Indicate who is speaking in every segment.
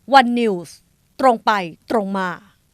Speaker 1: วันนิวส์ตรงไปตรงมา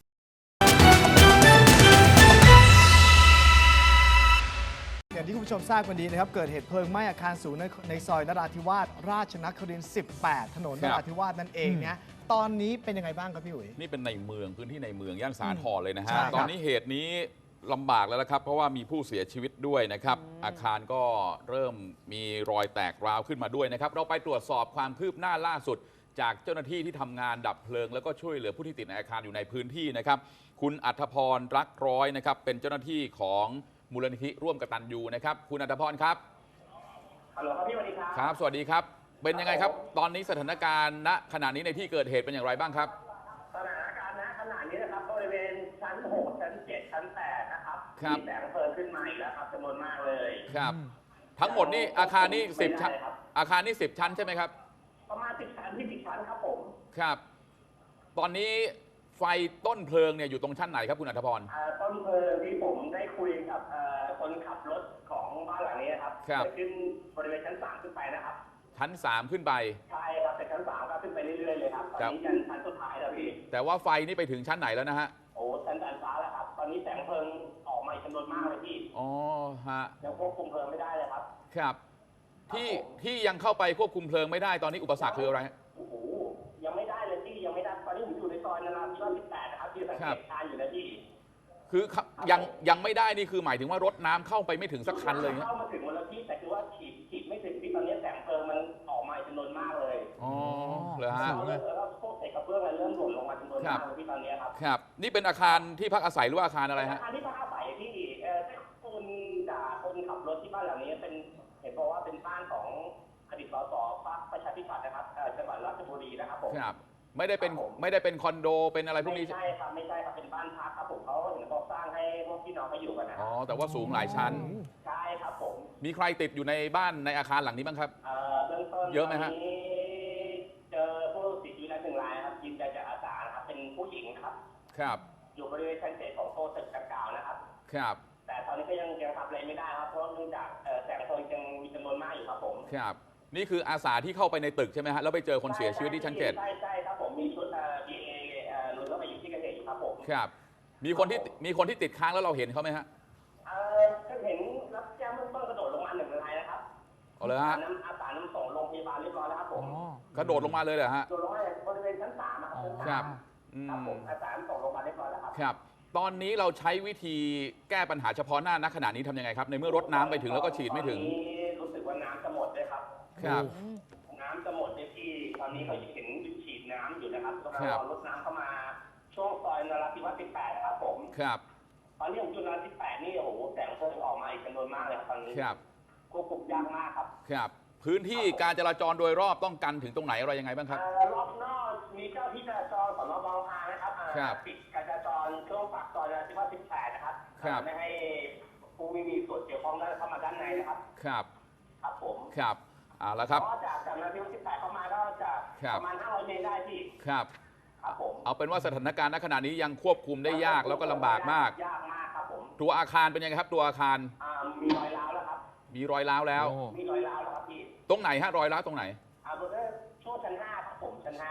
Speaker 2: อย่างที่คุณผู้ชมทราบกันดีนะครับเกิดเหตุเพลิงไหม้อาคารสูงในซอยนราธิวาสราชนครินทร์ 18 ถนนนราธิวาสนั่นเองเนี่ยตอนนี้เป็นยังไงบ้างครับพี่อุ๋ย
Speaker 3: นี่เป็นในเมืองพื้นที่ในเมืองย่านสาทรเลยนะฮะ
Speaker 2: ใช่ครับ
Speaker 3: ตอนนี้เหตุนี้ลำบากแล้วนะครับ เพราะว่ามีผู้เสียชีวิตด้วยนะครับ อาคารก็เริ่มมีรอยแตกร้าวขึ้นมาด้วยนะครับ เราไปตรวจสอบความคืบหน้าล่าสุด จากเจ้าหน้าที่ที่ทำงานดับเพลิงแล้วก็ช่วยเหลือผู้ที่ติดในอาคารอยู่ในพื้นที่นะครับ คุณอัธพรรักร้อยนะครับเป็นเจ้าหน้าที่ของมูลนิธิร่วมกตัญญูนะครับคุณอัธพรครับ
Speaker 4: ฮัลโหลครับพี่สวัสดีครับ
Speaker 3: ครับสวัสดีครับเป็นยังไงครับตอนนี้สถานการณ์ณขณะนี้ในที่เกิดเหตุเป็นอย่างไรบ้างครับ
Speaker 4: สถานการณ์ณขณะนี้นะครับบริเวณชั้น 6 ชั้น 7 ชั้น 8 นะครับมีแสงเพลิงขึ้นมาอีกแล้วครับจำนวนมากเลย
Speaker 3: ครับทั้งหมดนี่อาคารนี่10 ชั้นอาคารนี่10 ชั้นใช่ไหมครับ
Speaker 4: ประมาณ10 ชั้นที่10 ชั้นครับผม
Speaker 3: ครับตอนนี้ไฟต้นเพลิงเนี่ยอยู่ตรงชั้นไหนครับคุณอัธพร
Speaker 4: ต้นเพลิงที่ผมได้คุยกับคนขับรถของบ้านหลังนี้ครับจะขึ้นบริเวณชั้น 3 ขึ้นไปนะครับ
Speaker 3: ชั้น 3ขึ้นไป
Speaker 4: ใช่ครับแต่ชั้น 3ก็ขึ้นไปเรื่อยๆเลยครับตอนนี้ชั้นสุดท้ายแล้วพี่
Speaker 3: แต่ว่าไฟนี่ไปถึงชั้นไหนแล้วนะฮะ
Speaker 4: โอ้ชั้นดาดฟ้าแล้วครับตอนนี้แสงเพลิงออกมาจำนวนมากเลยพี่
Speaker 3: อ๋อฮะ
Speaker 4: ยังควบคุมเพลิงไม่ได้เลยครับ
Speaker 3: ครับที่ยังเข้าไปควบคุมเพลิงไม่ได้ตอนนี้อุปสรรคคืออะไร
Speaker 4: โอ้โหยังไม่ได้เลยพี่ยังไม่ได้ตอนนี้ผมอยู่ในซอยนราธิวาส 18 นะครับที่สังเกตการอยู่นะพี่
Speaker 3: คือยังไม่ได้นี่คือหมายถึงว่ารถน้ำเข้าไปไม่ถึงสักคันเลย
Speaker 4: เข้ามาถึงวันละที่แต่คือว่าฉีดไม่ถึงที่ตอนนี้แสงเพลิงมันออกมาจำนวนมากเลย
Speaker 3: อ๋อเหรอฮะ
Speaker 4: แล้วก็พวกเศษกระเบื้องอะไรเริ่มหล่นลงมาจำนวนมากเลยที่ตอนนี้ครับ
Speaker 3: ครับนี่เป็นอาคารที่พักอาศัยหรือว่าอาคารอะไรฮะ
Speaker 4: อาคารที่พักอาศัยที่คนจากคนขับรถที่บ้านหลังนี้เป็นเห็นบอกว่าเป็นบ้านของอดีตสสพรรคประชาธิปัตย์นะครับจังหวัดราชบุรีนะครับผม
Speaker 3: ครับไม่ได้เป็นคอนโดเป็นอะไรพวกนี้
Speaker 4: ไม่ใช่ครับไม่ใช่ครับเป็นบ้านพักครับผมเขาเห็นเขาสร้างให้พวกพี่น้องเขาอยู่กันนะ
Speaker 3: อ๋อแต่ว่าสูงหลายชั้น
Speaker 4: ใช่ครับผม
Speaker 3: มีใครติดอยู่ในบ้านในอาคารหลังนี้บ้างครับ
Speaker 4: เบื้องต้น
Speaker 3: เยอะไหมฮะ
Speaker 4: เจอผู้ติดอยู่ใน1 รายครับยืนยันจากอาสาครับเป็นผู้หญิงครับ
Speaker 3: ครับ
Speaker 4: อยู่บริเวณชั้น 7ของโซนตึกดังกล่าวนะครับ
Speaker 3: ครับ
Speaker 4: แต่ตอนนี้ก็ยังทำอะไรไม่ได้ครับเพราะเนื่องจากแสงเพลิงยังมีจำนวนมากอยู่ครับผม
Speaker 3: ครับนี่คืออาสาที่เข้าไปในตึกใช่ไหมฮะแล้วไปเจอคนเสียชีวิตที่ชั้น 7
Speaker 4: ใช่ครับผมมีชุดBA ลุยเข้าไปอยู่ที่เกิดเหตุอยู่ครับผม
Speaker 3: ครับมีคนที่ติดค้างแล้วเราเห็นเขาไหมฮะ
Speaker 4: ก็เห็นรับแจ้งเบื้องต้นกระโดดลงมา1 รายนะครับ
Speaker 3: เอาเลยฮะ
Speaker 4: อาสานำส่งโรงพยาบาลเรียบร้อยแล้วครับผม
Speaker 3: กระโดดลงมาเลยเหรอฮะ
Speaker 4: กระโดดลงมาบริเวณชั้น 3
Speaker 3: ครับ
Speaker 4: ครับผมอาสาส่งโรงพยาบาลเรียบร้อยแล้วครับ
Speaker 3: ครับตอนนี้เราใช้วิธีแก้ปัญหาเฉพาะหน้าณขณะนี้ทำยังไงครับในเมื่อรถน้ำไปถึงแล้วก็ฉีดไม่ถึง
Speaker 4: รู้สึกว่าน้ำจะหมดเลยครับ
Speaker 3: ครับ
Speaker 4: น้ำจะหมดในที่ตอนนี้เขาเห็นฉีดน้ำอยู่นะครับกำลังรอรถน้ำเข้ามาช่วงซอยนราธิวาส 18 นะครับผม
Speaker 3: ครับ
Speaker 4: ตอนนี้ผมอยู่นราธิวาส 18 นี่โอ้โหแสงเพลิงออกมาอีกจำนวนมากเลยครับตอนนี้
Speaker 3: ครับ
Speaker 4: ควบคุมยากมากครับ
Speaker 3: ครับพื้นที่การจราจรโดยรอบต้องกันถึงตรงไหนอะไรยังไงบ้างครับ
Speaker 4: รอบนอกมีเจ้าที่จราจรสน.บางพลานะครับปิดการจราจรช่วงปากซอยนราธิวาส 18 นะครับไม่ให้ผู้ไม่มีส่วนเกี่ยวข้องได้เข้ามาด้านในนะครับ
Speaker 3: ครับ
Speaker 4: ครับผม
Speaker 3: ครับแล้วครับ
Speaker 4: ก็จากนราธิวาส 18 เข้ามาก็จะประมาณ500 เมตรได้ที่
Speaker 3: ครับ
Speaker 4: ครับผม
Speaker 3: เอาเป็นว่าสถานการณ์ณขณะนี้ยังควบคุมได้ยากแล้วก็ลำบากมาก
Speaker 4: ยากมากครับผม
Speaker 3: ตัวอาคารเป็นยังไงครับตัวอาคาร
Speaker 4: มีรอยร้าวแล้วครับ
Speaker 3: มีรอยร้าวแล้ว
Speaker 4: มีรอยร้าวแล้วครับพี่
Speaker 3: ตรงไหนฮะรอยร้าวตรงไหน
Speaker 4: บนช่วงชั้น 5ครับผมชั้น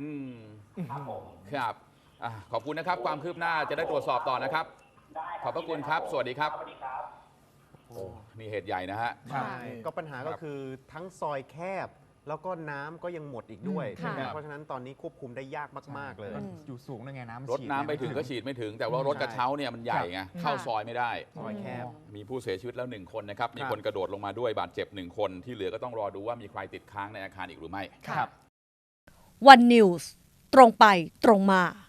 Speaker 4: 5ครับผม
Speaker 3: ครับขอบคุณนะครับความคืบหน้าจะได้ตรวจสอบต่อนะครับขอบพระคุณครับสวัสดีครับ
Speaker 4: สวัสดีครับ
Speaker 3: โอ้นี่เหตุใหญ่นะฮะ
Speaker 2: ใช่ก็ปัญหาก็คือทั้งซอยแคบแล้วก็น้ำก็ยังหมดอีกด้วยเพราะฉะนั้นตอนนี้ควบคุมได้ยากมากๆเลย
Speaker 5: อยู่สูงนะไง
Speaker 3: รถน้ำไปถึงก็ฉีดไม่ถึงแต่ว่ารถกระเช้าเนี่ยมันใหญ่ไงเข้าซอยไม่ได้
Speaker 2: ซอยแคบ
Speaker 3: มีผู้เสียชีวิตแล้ว1 คนนะครับมีคนกระโดดลงมาด้วยบาดเจ็บ1 คนที่เหลือก็ต้องรอดูว่ามีใครติดค้างในอาคารอีกหรือไม่
Speaker 1: วันนิวส์ตรงไปตรงมา